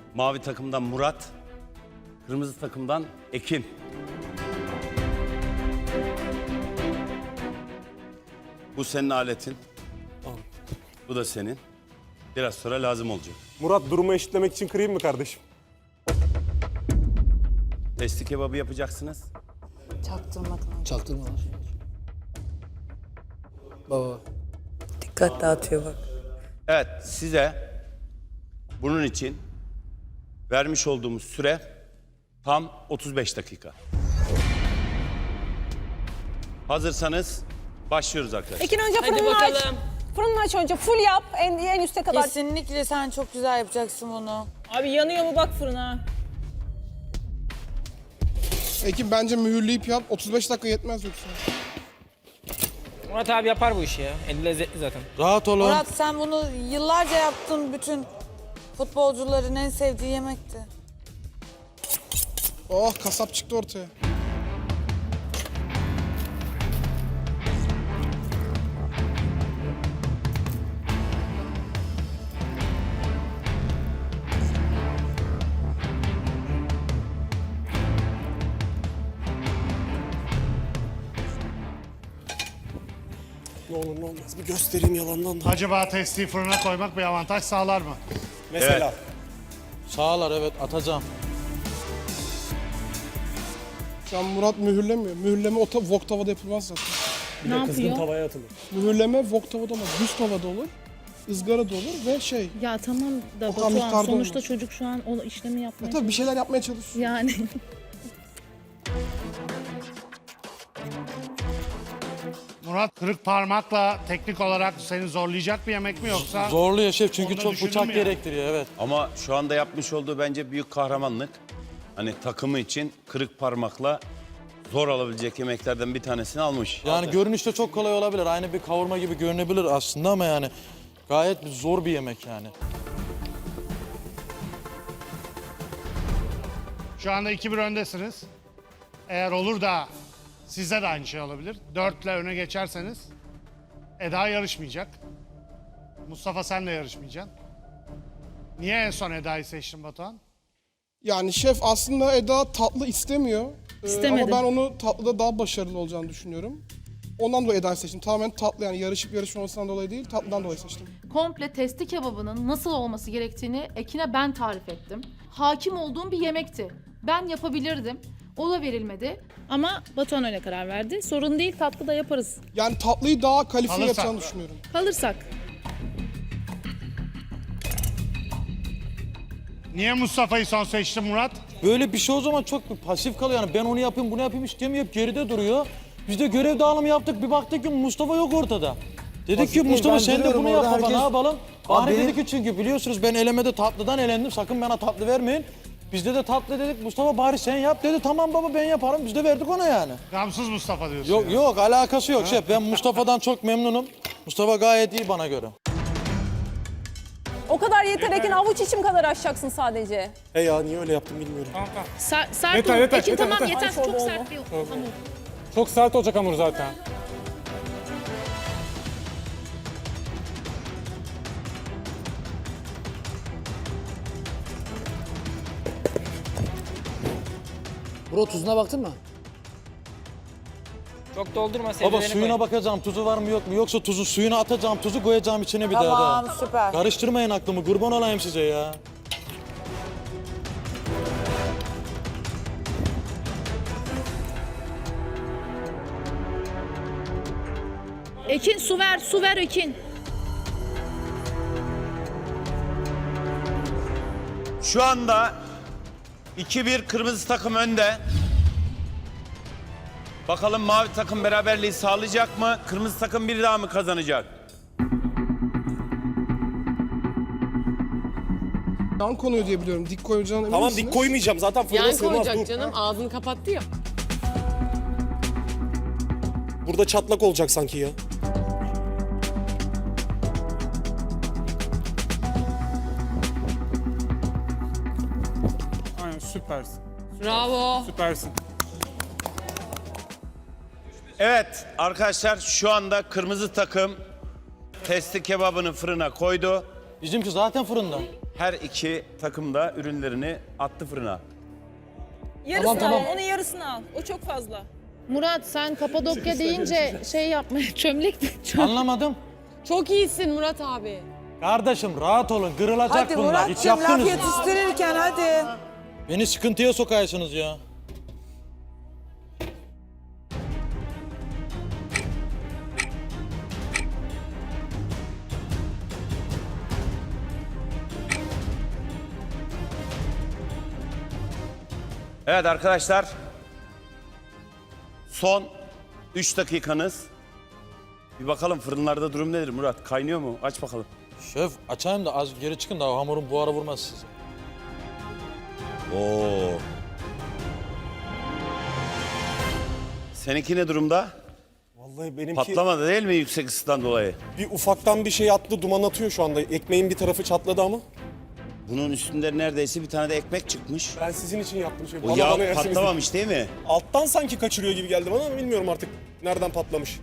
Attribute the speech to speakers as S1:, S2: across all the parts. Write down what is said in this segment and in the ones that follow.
S1: Mavi takımdan Murat, kırmızı takımdan Ekin. Bu senin aletin. Bu da senin. Biraz sonra lazım olacak.
S2: Murat durumu eşitlemek için kırayım mı kardeşim?
S1: Testi kebabı yapacaksınız.
S3: Çaktırmadan.
S4: Çaktırma. Baba.
S3: Dikkat dağıtıyor bak.
S1: Evet, size bunun için vermiş olduğumuz süre tam 35 dakika. Abi başlıyoruz arkadaşlar.
S5: Ekin önce
S6: Hadi
S5: fırını aç.
S6: bakalım.
S5: Fırını aç önce. Full yap. En üste kadar.
S6: Kesinlikle sen çok güzel yapacaksın bunu.
S5: Abi yanıyor mu bak fırına.
S7: Ekin bence mühürleyip yap. 35 dakika yetmez yoksa.
S8: Murat abi yapar bu işi ya. Eli lezzetli zaten.
S4: Rahat olun.
S6: Murat sen bunu yıllarca yaptın, bütün futbolcuların en sevdiği yemekti.
S7: Oh, kasap çıktı ortaya.
S2: Ne olur ne olmaz bir göstereyim yalandan da.
S9: Acaba testi fırına koymak bir avantaj sağlar mı?
S2: Mesela.
S4: Sağlar evet atacağım.
S7: Şu an Murat mühürlemiyor. Mühürleme wok tavada yapılmaz zaten.
S2: Bir de kızgın tavaya atılır.
S7: Mühürleme wok tavada olmaz. Düz tavada olur. Izgara da olur ve şey.
S10: Ya tamam da
S7: O kadar
S10: Batuhan
S7: miktarda
S10: sonuçta
S7: olmaz.
S10: çocuk şu an o işlemi yapmaya
S7: Tabii bir şeyler yapmaya çalışıyor.
S10: yani.
S9: Murat, kırık parmakla teknik olarak seni zorlayacak bir yemek mi yoksa?
S4: Zorluyor şef çünkü
S9: Onu da
S4: çok
S9: düşündüm
S4: bıçak
S9: ya.
S4: gerektiriyor evet.
S1: Ama şu anda yapmış olduğu bence büyük kahramanlık. Hani takımı için kırık parmakla zor alabilecek yemeklerden bir tanesini almış.
S4: Yani görünüşte çok kolay olabilir. Aynı bir kavurma gibi görünebilir aslında ama yani gayet zor bir yemek yani.
S9: Şu anda 2-1 öndesiniz. Eğer olur da sizde de aynı şey olabilir. 4'le öne geçerseniz Eda yarışmayacak. Mustafa sen de yarışmayacaksın. Niye en son Eda'yı seçtin Batuhan?
S7: Yani şef aslında Eda tatlı istemiyor.
S10: İstemedim.
S7: Ama ben onu tatlıda daha başarılı olacağını düşünüyorum. Ondan dolayı Eda'yı seçtim. Tamamen tatlı yani yarışıp yarışmamasından dolayı değil, tatlıdan dolayı seçtim.
S11: Komple testi kebabının nasıl olması gerektiğini Ekin'e ben tarif ettim. Hakim olduğum bir yemekti. Ben yapabilirdim. O da verilmedi.
S10: Ama Batuhan öyle karar verdi. Sorun değil, tatlı da yaparız.
S7: Yani tatlıyı daha kalifiye
S9: Alırsak.
S7: yapacağını düşünüyorum.
S10: Kalırsak.
S9: Niye Mustafa'yı son seçtin Murat?
S4: Böyle bir şey o zaman çok bir pasif kalıyor yani ben onu yapayım bunu yapayım istemiyor hep geride duruyor. Biz de görev dağılımı yaptık bir baktık ki Mustafa yok ortada. Dedik ki Mustafa sen de bunu yap baba ne yapalım? Bahri dedi ki çünkü biliyorsunuz ben elemede tatlıdan elendim sakın bana tatlı vermeyin. Bizde de tatlı dedik Mustafa bari sen yap dedi tamam baba ben yaparım biz de verdik ona yani.
S9: Gamsız Mustafa diyorsun.
S4: Yok
S9: yani.
S4: yok alakası yok şef ben Mustafa'dan çok memnunum. Mustafa gayet iyi bana göre.
S5: O kadar yeter Ekin. Avuç içim kadar açacaksın sadece.
S2: He ya niye öyle yaptım bilmiyorum.
S10: Sert
S2: Yeter,
S10: ol.
S2: yeter,
S10: Ekin
S2: yeter,
S10: tamam
S2: yeter.
S10: yeter. Çok sert bir hamur.
S2: Çok sert olacak hamur zaten.
S4: Bro tuzuna baktın mı?
S8: Çok doldurma
S4: Baba
S8: sebzelerini
S4: suyuna
S8: koy.
S4: bakacağım tuzu var mı yok mu yoksa tuzu suyuna atacağım tuzu koyacağım içine bir daha
S6: Tamam,
S4: da.
S6: süper.
S4: Karıştırmayın aklımı kurban olayım size ya.
S10: Ekin su ver Ekin.
S1: Şu anda 2-1 kırmızı takım önde. Bakalım mavi takım beraberliği sağlayacak mı? Kırmızı takım bir daha mı kazanacak?
S7: Yan konuyor diye biliyorum. Dik koyacağına emin
S2: Tamam
S7: misiniz?
S2: dik koymayacağım zaten fırına sığmaz dur.
S6: canım, ağzını kapattı ya.
S2: Burada çatlak olacak sanki ya.
S8: Aynen süpersin.
S6: Bravo.
S8: Süpersin.
S1: Evet arkadaşlar şu anda kırmızı takım testi kebabını fırına koydu.
S4: Bizimki zaten fırında.
S1: Her iki takım da ürünlerini attı fırına.
S5: Yarısını
S7: Tamam.
S5: al, onun yarısını al. O çok fazla.
S10: Murat sen Kapadokya deyince şey yapmaya çömlek mi?
S4: Anlamadım.
S5: Çok iyisin Murat abi.
S4: Kardeşim rahat olun, kırılacak
S6: Hadi
S4: bunlar. Hiç
S6: Murat'cığım laf
S4: yaptınız mı?
S6: yetiştirirken hadi.
S4: Beni sıkıntıya sokarsınız ya.
S1: Evet arkadaşlar. Son 3 dakikanız. Bir bakalım fırınlarda durum nedir Murat? Kaynıyor mu? Aç bakalım.
S4: Şef açayım da az geri çıkın da hamurun buharı vurmaz size.
S1: Oo. Seninki ne durumda?
S2: Vallahi benimki
S1: Patlamadı değil mi yüksek ısıdan dolayı?
S2: bir ufaktan bir şey attı, duman atıyor şu anda. Ekmeğin bir tarafı çatladı ama.
S1: Bunun üstünde neredeyse bir tane de ekmek çıkmış.
S2: Ben sizin için yaptım. Şey,
S1: O yağ patlamamış değil mi?
S2: Alttan sanki kaçırıyor gibi geldi bana ama bilmiyorum artık nereden patlamış.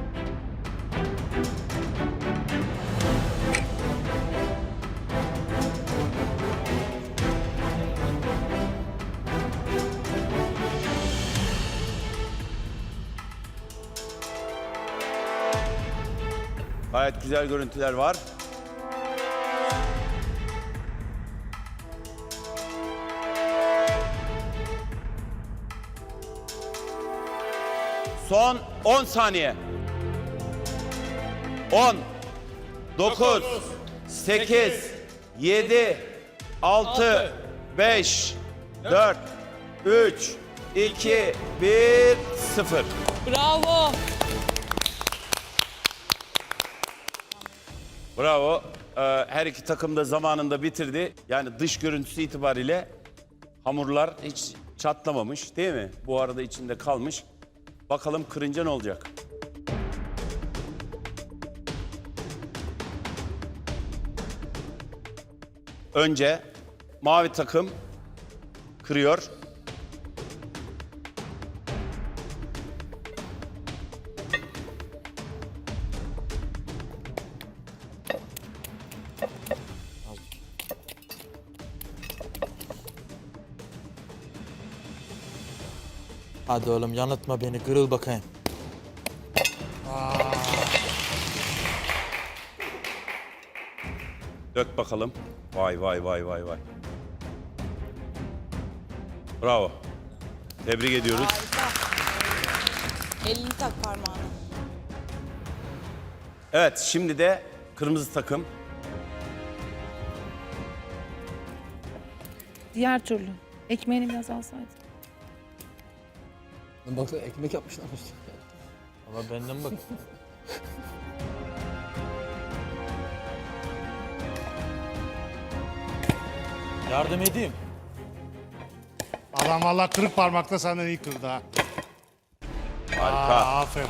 S1: Gayet güzel görüntüler var. Son 10 saniye. 10, 9, 8, 7, 6, 5, 4, 3, 2, 1, 0.
S5: Bravo.
S1: Bravo. Her iki takım da zamanında bitirdi. Yani dış görüntüsü itibariyle hamurlar hiç çatlamamış değil mi? Bu arada içinde kalmış. Bakalım kırınca ne olacak? Önce mavi takım kırıyor.
S4: Hadi oğlum yanıltma beni, kırıl bakayım.
S1: Dök bakalım. Vay vay vay vay vay. Bravo. Tebrik ediyoruz.
S6: Elini tak parmağına.
S1: Evet şimdi de kırmızı takım.
S10: Diğer türlü. Ekmeğini biraz alsaydın.
S2: Baksana ekmek yapmışlarmış.
S4: Ama benden bak. Yardım edeyim.
S9: Adam valla kırık parmakla senden iyi kırdı ha.
S1: Harika.
S9: Aferin.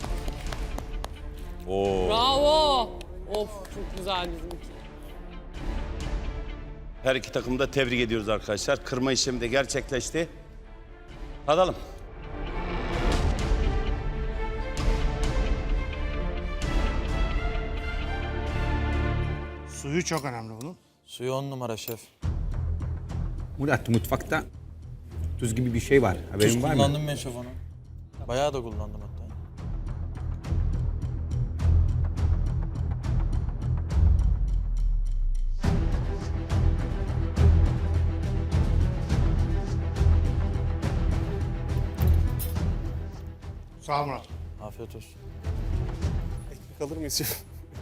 S1: Oo.
S5: Bravo. Of çok güzel bizimki.
S1: Her iki takımı da tebrik ediyoruz arkadaşlar. Kırma işlemi de gerçekleşti. Tadalım.
S9: Suyu çok önemli bunun.
S4: Suyu 10 numara şef.
S12: Murat mutfakta tuz gibi bir şey var.
S4: Tuz
S12: Haberin var mı?
S4: kullandım ben şef onu. Bayağı da kullandım hatta.
S9: Sağ ol Murat.
S4: Afiyet olsun.
S2: Ekmek alır mıyız şef?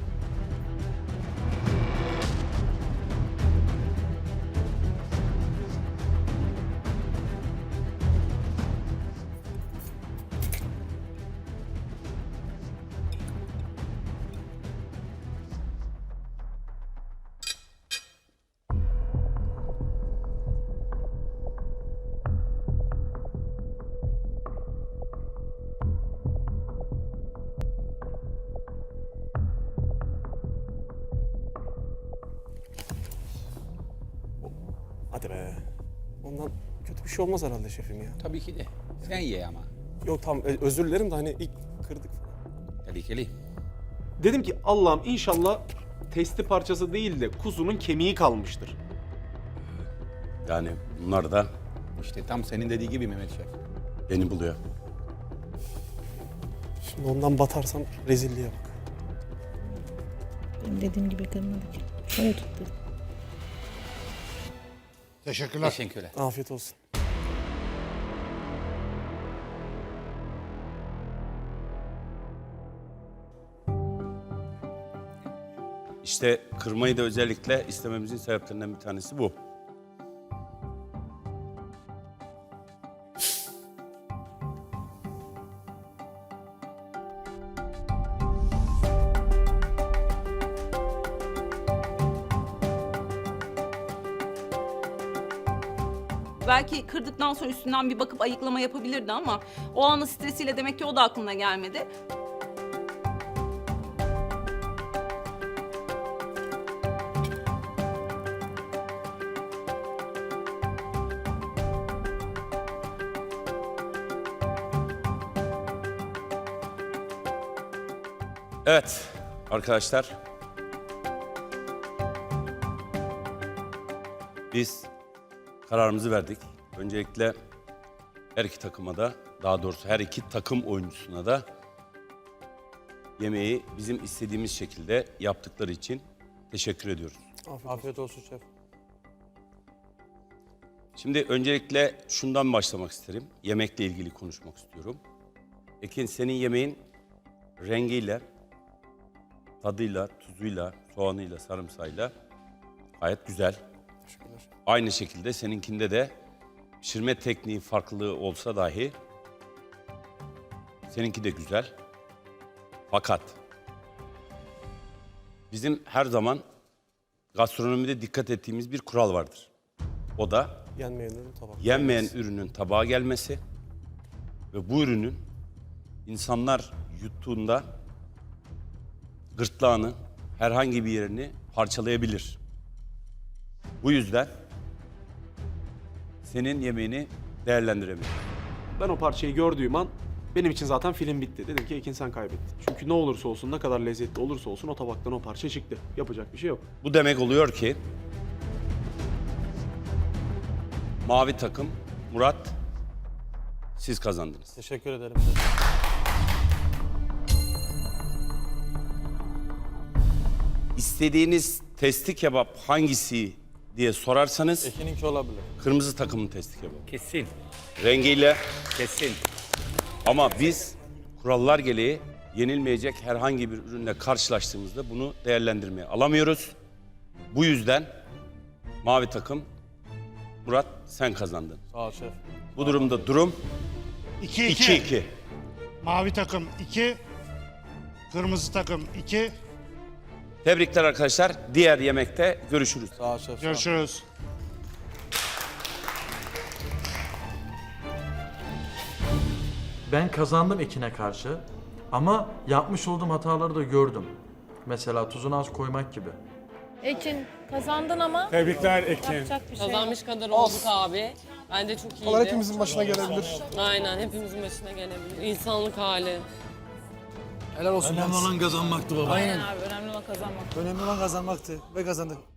S2: Hadi be. Ondan kötü bir şey olmaz herhalde şefim ya.
S12: Tabii ki de. Sen ye ama.
S2: Yok tamam özür dilerim de hani ilk kırdık falan.
S12: Tehlikeli.
S13: Dedim ki Allah'ım inşallah testi parçası değil de kuzunun kemiği kalmıştır.
S1: Yani bunlar da
S12: İşte tam senin dediği gibi Mehmet Şef.
S1: beni buluyor.
S2: Şimdi ondan batarsam rezilliğe bak.
S10: Benim dediğim gibi kırmadı ki. Şöyle tut dedim.
S9: Teşekkürler.
S12: Teşekkürler.
S2: Afiyet olsun.
S1: İşte kırmayı da özellikle istememizin sebeplerinden bir tanesi bu.
S5: Belki kırdıktan sonra üstünden bir bakıp ayıklama yapabilirdi ama o anın stresiyle demek ki o da aklına gelmedi.
S1: Evet arkadaşlar. Biz kararımızı verdik. Öncelikle her iki takıma da, daha doğrusu her iki takım oyuncusuna da yemeği bizim istediğimiz şekilde yaptıkları için teşekkür ediyoruz.
S2: Afiyet olsun şef.
S1: Şimdi öncelikle şundan başlamak isterim. Yemekle ilgili konuşmak istiyorum. Ekin, senin yemeğin rengiyle, tadıyla, tuzuyla, soğanıyla, sarımsağıyla gayet güzel.
S2: Teşekkürler.
S1: Aynı şekilde seninkinde de pişirme tekniği farklılığı olsa dahi seninki de güzel. Fakat bizim her zaman gastronomide dikkat ettiğimiz bir kural vardır. O da
S2: Yenmeyenin tabak.
S1: yenmeyen ürünün tabağa gelmesi ve bu ürünün insanlar yuttuğunda gırtlağını, herhangi bir yerini parçalayabilir. Bu yüzden senin yemeğini değerlendiremiyorum.
S2: Ben o parçayı gördüğüm an benim için zaten film bitti. Dedim ki Ekin sen kaybettin. Çünkü ne olursa olsun, ne kadar lezzetli olursa olsun o tabaktan o parça çıktı. Yapacak bir şey yok.
S1: Bu demek oluyor ki mavi takım, Murat, siz kazandınız.
S2: Teşekkür ederim.
S1: İstediğiniz testi kebap hangisi diye sorarsanız
S4: Ekin'inki olabilir.
S1: kırmızı takımın testi kebabı.
S12: Kesin.
S1: Rengiyle
S12: Kesin.
S1: ama biz kurallar gereği yenilmeyecek herhangi bir ürünle karşılaştığımızda bunu değerlendirmeye alamıyoruz. Bu yüzden mavi takım, Murat sen kazandın.
S4: Sağ ol şef.
S1: Bu durumda durum
S9: 2-2.
S1: 2-2.
S9: Mavi takım 2. Kırmızı takım 2.
S1: Tebrikler arkadaşlar. Diğer yemekte görüşürüz.
S4: Sağ ol şef. sağ ol.
S9: Görüşürüz.
S4: Ben kazandım Ekin'e karşı ama yapmış olduğum hataları da gördüm. Mesela tuzunu az koymak gibi.
S10: Ekin kazandın ama
S7: Tebrikler Ekin.
S10: yapacak bir şey yok.
S5: Kazanmış kadar olduk abi. Bence çok iyiydi.
S7: Onlar hepimizin başına gelebilir.
S5: Aynen hepimizin başına gelebilir. İnsanlık hali.
S4: Önemli olan kazanmaktı baba.
S5: Aynen abi önemli olan kazanmak.
S4: Önemli olan kazanmaktı ve kazandık.